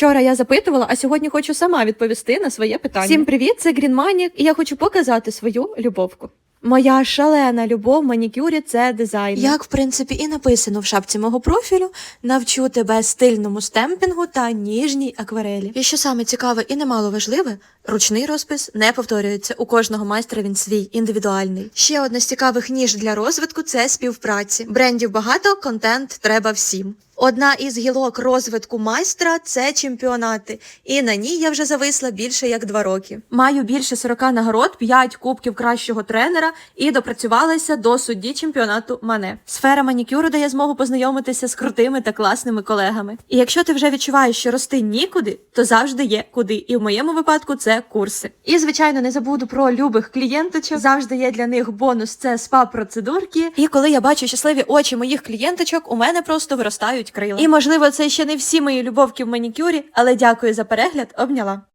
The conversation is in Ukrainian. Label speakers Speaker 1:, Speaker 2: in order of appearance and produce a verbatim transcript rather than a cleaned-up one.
Speaker 1: Вчора я запитувала, а сьогодні хочу сама відповісти на своє питання. Всім привіт, це Грінманік, і я хочу показати свою любовку. Моя шалена любов в манікюрі – це дизайн.
Speaker 2: Як, в принципі, і написано в шапці мого профілю, навчу тебе стильному стемпінгу та ніжній акварелі. І що саме цікаве і немало важливе, ручний розпис не повторюється. У кожного майстра він свій, індивідуальний. Ще одна з цікавих ніж для розвитку – це співпраці. Брендів багато, контент треба всім. Одна із гілок розвитку майстра – це чемпіонати. І на ній я вже зависла більше як два роки. Маю більше сорока нагород, п'ять кубків кращого тренера і допрацювалася до судді чемпіонату Мане. Сфера манікюру дає змогу познайомитися з крутими та класними колегами. І якщо ти вже відчуваєш, що рости нікуди, то завжди є куди. І в моєму випадку це курси. І, звичайно, не забуду про любих клієнточок. Завжди є для них бонус – це спа-процедурки. І коли я бачу щасливі очі моїх клієнточок, у мене просто виростають крила. І, можливо, це ще не всі мої любовки в манікюрі, але дякую за перегляд, обняла.